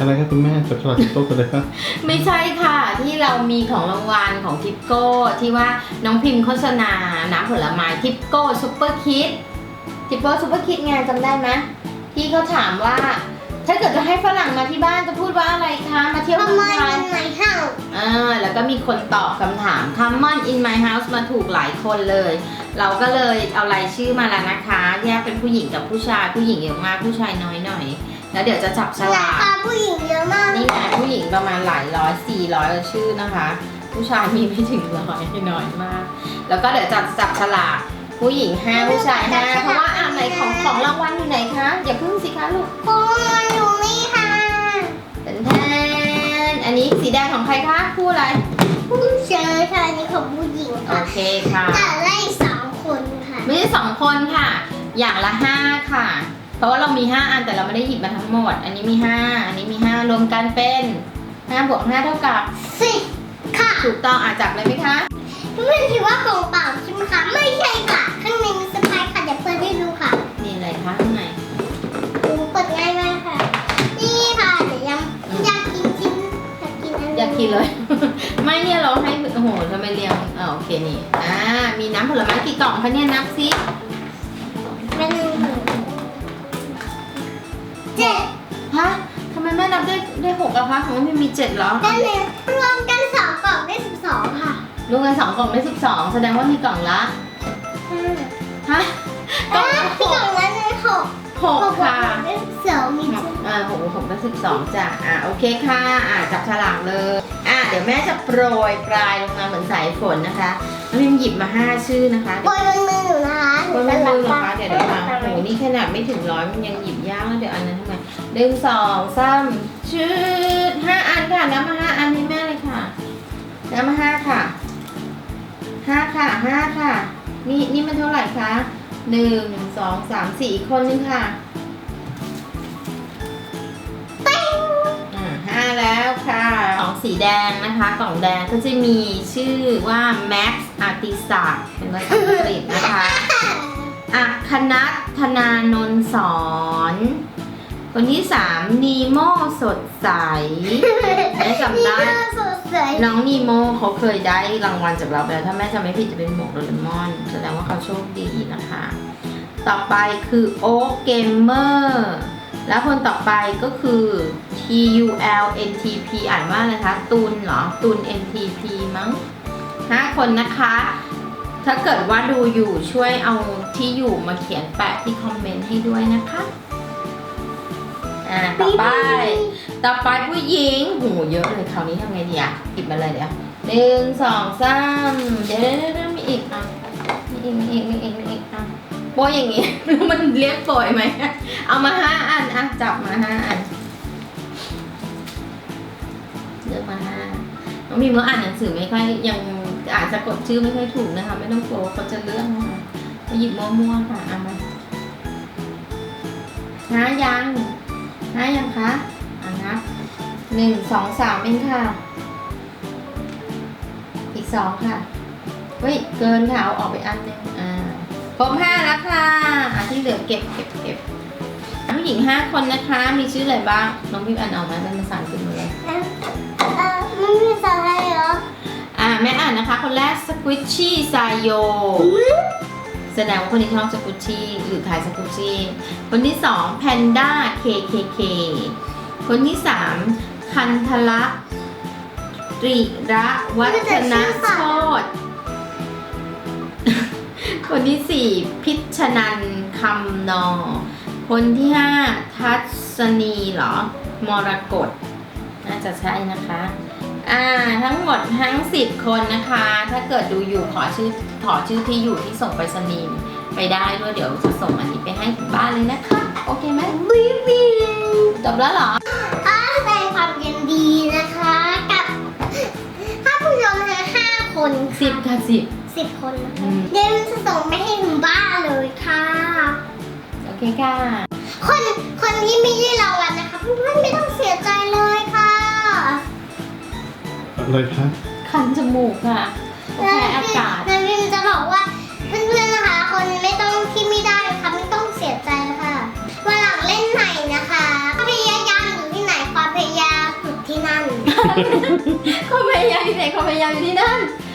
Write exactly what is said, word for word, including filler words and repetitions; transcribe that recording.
อะไรครับคุณแม่จับฉลากทิปโก้กันเลยครับไม่ใช่ค่ะที่เรามีของรางวัลของทิปโก้ที่ว่าน้องพิมพ์โฆษณาน้ำผลไม้ทิปโก้ซูเปอร์คิดทิปโก้ซูเปอร์คิดไงจำได้ไหมที่เขาถามว่าถ้าเกิดจะให้ฝรั่งมาที่บ้านจะพูดว่าอะไรคะมาเที่ยวเมืองไทย in my house อ่าแล้วก็มีคนตอบคำถาม Come on in my house มาถูกหลายคนเลย เราก็เลยเอารายชื่อมาแล้วนะคะแยกเป็นผู้หญิงกับผู้ชายผู้หญิงเยอะมากผู้ชายน้อยหน่อยแล้วเดี๋ยวจะจับฉราลากคาผู้หญิงเยอะมากนี่ไงผู้หญิงประมาณหลายร้อยสี่ร้อยชื่อนะคะ ผู้ชายมีไม่ถึงร้อยน้อยมาก แล้วก็เดี๋ยวจับจับฉลากผู้หญิงห้าผู้ชายห้าเพราะว่าอ่านไหนของของรางวัลอยู่ไหนคะอย่าพึ่งสิคะลูกโอ้ยอยู่นี่ค่ะเป็นแทนอันนี้สีแดงของใครคะคู่อะไรผู้ชายค่ะอันนี้ของผู้หญิงโอค่ะเคค่ะแต่ได้สองคนค่ะไม่ใช่สองคนค่ะ อย่างละห้าค่ะ เพราะว่าเรามีห้าอันแต่เราไม่ได้หยิบมาทั้งหมด อันนี้มีห้าอันนี้มีห้ารวมกันเป็นห้าบวกห้าเท่ากับสิบค่ะถูกต้องอ่ะจับเลยไหมคะเพื่อนคิดว่ากล่องเปล่าใช่ไหมคะไม่ใช่ค่ะข้างในมีสไปร์ค่ะเดี๋ยวเปิดให้ดูค่ะนี่อะไรคะข้างในหนูเปิดง่ายมากค่ะ นี่ค่ะเดี๋ยวยังอยากกินกินอยากกินอันนี้อยากกินเลย ไม่เนี่ยเราให้โอ้โหทำไมเรียงอ่าโอเคนี่อ่ามีน้ำผลไม้กี่กล่องคะเนี่ยนับซิเป็นหนึ่งเจ็ดฮะทำไมแม่นับได้ได้หกอะคะของมันมีเจ็ดเหรอเป็นหนึ่งรวมกันสองกล่องได้สิบสองค่ะรวมกันสองกล่องได้สิบสองแสดงว่ามีกล่องละห้าฮะกล่องอ่ะละหกล่กองละหนึ่งหกหกค่ะได้สิบสองมีหกอ่าหกหกได้สิบสองจ้ะอ่าโอเคค่ะอ่าจับฉลากเลยอ่าเดี๋ยวแม่จะโปรยปลายลงมาเหมือนสายฝนนะคะน้องพิมหยิบมาห้าชื่อนะคะบนมือหนูนะคะคนไม่รู้เหรอคะเดี๋ยวเดี๋ยวมาโอ้โหนี่ขนาดไม่ถึงร้อยมันยังหยิบยากแล้วเดี๋ยวอันนั้นทำไมหนึ่งสองสามชื่อห้าอันค่ะนับมาห้าอันให้แม่เลยค่ะนับมาห้าค่ะห้าค่ะห้าค่ะนี่นี่มันเท่าไหร่คะหนึ่งสองสามสี่อีกคนนึงค่ะอ่าห้าแล้วค่ะของสีแดงนะคะกล่องแดงก็จะมีชื่อว่า Max Artisac เป็นภาษาอังกฤษนะคะอัคคนัทธนานนท์สอนคนที่สามนีโมสดใสแม่จำได้นี่น่าสดใสน้องนีโมเขาเคยได้รางวัลจากเราไปแล้วถ้าแม่จำไม่ผิดจะเป็นหมวกโดเรมอนแสดงว่าเขาโชคดีนะคะ ต่อไปคือโอ๊กเกมเมอร์แล้วคนต่อไปก็คือ T U L N T P อ่านว่าอะไรคะตูนเหรอตูน N T P มั้งห้าคนนะคะ ถ้าเกิดว่าดูอยู่ช่วยเอาที่อยู่มาเขียนแปะที่คอมเมนต์ให้ด้วยนะคะอ่าต่อไป ต่อไปผู้หญิงหูเยอะเลยคราวนี้ทำไงดีอ่ะหยิบมาเลยเดี๋ยวหนึ่งสองสามเดี๋ยวเดี๋ยวเดี๋ยวมีอีกอ่ะมีอีกมีอีกมีอีกมีอีกอ่ะโปรยอย่างงี้ แล้วมันเรียกโปรยไหมเอามาห้าอันอ่ะจับมาห้าอันเลือกมาห้าน้องพิมก็อ่านหนังสือไม่ค่อยยังอ่านสะกดชื่อไม่ค่อยถูกนะคะไม่ต้องกลัวเขาจะเลือกนะคะเขาหยิบมั่วๆค่ะเอามาห้ายังห้ายังคะอ่ะนับหนึ่งสองสามเองค่ะ อีกสองค่ะเฮ้ยเกินค่ะเอาออกไปอันหนึงอ่าครบห้าแล้วค่ะอ่ะที่เหลือเก็บเก็บเก็บผู้หญิงห้าคนนะคะมีชื่ออะไรบ้างน้องพิมอ่านออกมาเป็นภาษาอังกฤษหมดเลยเอ่อเอ่อไม่มีภาษาไทยเหรออ่าแม่อ่านนะคะคนแรกสควิชชี่ไซโยแสดงว่าคนนี้ชอบสกุชชี่หรือขายสกุชชี่คนที่สองแพนด้า เค เค เค คนที่สามคันทละตรีระวัฒนโชตคนที่สี่พิชนันคำนอ คนที่ห้าทัศนีเหรอ มรกตน่าจะใช่นะคะอ่าทั้งหมดทั้งสิบคนนะคะ ถ้าเกิดดูอยู่ขอชื่อขอชื่อที่อยู่ที่ส่งไปสนีย์ไปได้ด้วยเดี๋ยวจะส่งอันนี้ไปให้ถึงบ้านเลยนะคะโอเคไหมบีบีจบแล้วเหรอขอแสดงความยินดีนะคะกับถ้าผู้ชมทั้งห้าคนสิบค่ะสิบสิบคนนะอืคะมเดี๋ยวจะส่งไปให้ถึงบ้านเลยค่ะโอเคค่ะคนคนที่ไม่ได้รางวัลนะคะเพื่อนๆไม่ต้องเสียใจเลยค่ะอะไรคะคันจมูกค่ะโอเคอากาศนายพิมจะบอกว่าเพื่อนๆนะคะ คนไม่ต้องที่ไม่ได้ค่ะไม่ต้องเสียใจค่ะวันหลังเล่นใหม่นะคะความพยายามอยู่ที่ไหนความพยายความพยายามอยู่ไหนความพยายามอยู่ที่นั่น